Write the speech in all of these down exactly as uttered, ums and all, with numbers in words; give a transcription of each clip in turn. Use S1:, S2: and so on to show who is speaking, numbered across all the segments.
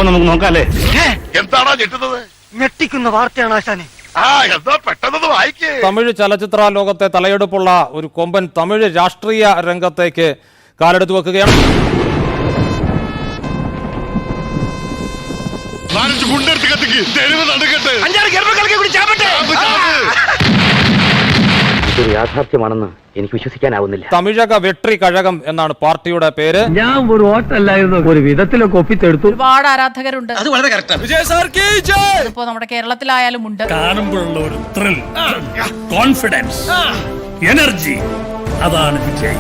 S1: അപ്പൊ നമുക്ക് നോക്കാല്ലേ?
S2: എന്താണോ ഞെട്ടുന്നത്?
S3: ഞെട്ടിക്കുന്ന വാർത്തയാണ് ആശാനെ.
S2: ആ എന്താ പെട്ടെന്ന് വായിക്കേ.
S4: തമിഴ് ചലച്ചിത്ര ലോകത്തെ തലയെടുപ്പുള്ള ഒരു കൊമ്പൻ തമിഴ് രാഷ്ട്രീയ രംഗത്തേക്ക് കാലെടുത്തു വെക്കുകയാണ്.
S1: ഇതൊരു യാഥാർത്ഥ്യമാണെന്ന് എനിക്ക് വിശ്വസിക്കാനാവുന്നില്ല.
S4: തമിഴക വെട്രി കഴകം എന്നാണ് പാർട്ടിയുടെ പേര്.
S3: ഞാൻ ഒരു വോട്ടല്ലായിരുന്നു, ഒരു വിധത്തിലൊക്കെ ഒപ്പിത്തെടുത്തു.
S5: ഒരുപാട് ആരാധകരുണ്ട്.
S6: അത് വളരെ കറക്റ്റാണ്.
S5: ഇപ്പോ നമ്മുടെ കേരളത്തിലായാലും ഉണ്ട്.
S7: കാണുമ്പോഴുള്ള ഒരു ത്രിൽ, കോൺഫിഡൻസ്, എനർജി, അതാണ് വിജയ്.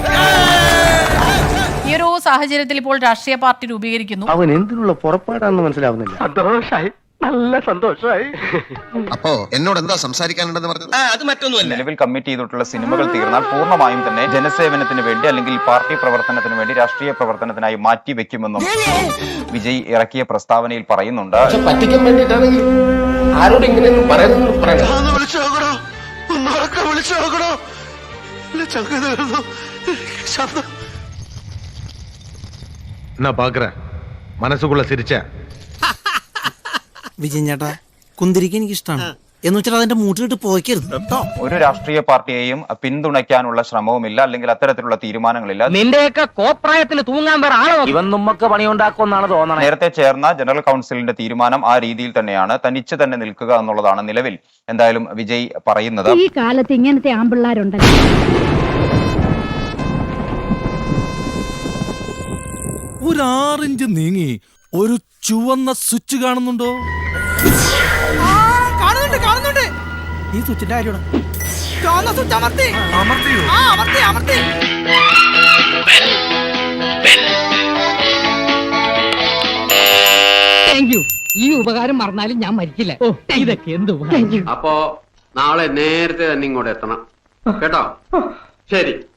S5: ഈ ഒരു സാഹചര്യത്തിൽ ഇപ്പോൾ രാഷ്ട്രീയ പാർട്ടി രൂപീകരിക്കുന്നു.
S3: അവൻ എന്തിനുള്ള പുറപ്പാടാണെന്ന് മനസ്സിലാവുന്നില്ല. സന്തോഷായി, നല്ല സന്തോഷമായി.
S6: അപ്പോ എന്നോട് എന്താ സംസാരിക്കാനുണ്ടെന്ന് പറഞ്ഞത്? അത് മറ്റൊന്നുമല്ല.
S8: നിലവിൽ കമ്മിറ്റ് ചെയ്തിട്ടുള്ള സിനിമകൾ തീർന്നാൽ പൂർണ്ണമായും തന്നെ ജനസേവനത്തിന് വേണ്ടി അല്ലെങ്കിൽ പാർട്ടി പ്രവർത്തനത്തിന് വേണ്ടി രാഷ്ട്രീയ പ്രവർത്തനത്തിനായി മാറ്റി വെക്കുമെന്നും വിജയ് ഇറക്കിയ പ്രസ്താവനയിൽ പറയുന്നുണ്ട്.
S9: പറ്റിക്കാൻ വേണ്ടിയിട്ടാണെങ്കിൽ ആരോട് ഇങ്ങനെയൊന്നും പറയുന്നു പറയാം.
S2: മനസ്സുകൊള്ള സിരിച്ച
S10: വിജയൻ ചേട്ടാ, കുന്തിരിക്ക എനിക്ക് ഇഷ്ടമാണ് എന്ന് വെച്ചാൽ അതിന്റെ മൂട്ടിലിട്ട് പോയിക്കരുത് കേട്ടോ.
S8: ഒരു രാഷ്ട്രീയ പാർട്ടിയെയും പിന്തുണയ്ക്കാനുള്ള ശ്രമവുമില്ല, അല്ലെങ്കിൽ അത്തരത്തിലുള്ള തീരുമാനങ്ങളില്ല.
S3: നിന്റെയൊക്കെ കോപ്രായത്തിൽ തൂങ്ങാൻ വേറെ ആളോ?
S1: ഇവൻ നമ്മക്ക് പണിയുണ്ടാക്കുമെന്നാണ് തോന്നണത്.
S8: നേരത്തെ ചേർന്ന ജനറൽ കൗൺസിലിന്റെ തീരുമാനം ആ രീതിയിൽ തന്നെയാണ്, തനിച്ച് തന്നെ നിൽക്കുക എന്നുള്ളതാണ് നിലവിൽ എന്തായാലും വിജയ് പറയുന്നത്.
S11: ഈ കാലത്ത് ഇങ്ങനത്തെ ആമ്പിള്ളാരുണ്ടല്ലോ.
S7: ഒരു ആറിഞ്ച് നീങ്ങി ഒരു ചുവന്ന സ്വിച്ച് കാണുന്നുണ്ടോ?
S10: കാണുന്നുണ്ട് കാണുന്നുണ്ട്. ഈ സ്വിച്ചിന്റെ കാര്യമാണ്.
S3: ഈ ഉപകാരം മറന്നാലും ഞാൻ മരിക്കില്ല. ഇതൊക്കെ എന്ത്
S9: അപ്പോ നാളെ നേരത്തെ തന്നെ ഇങ്ങോട്ട് എത്തണം കേട്ടോ. ശരി.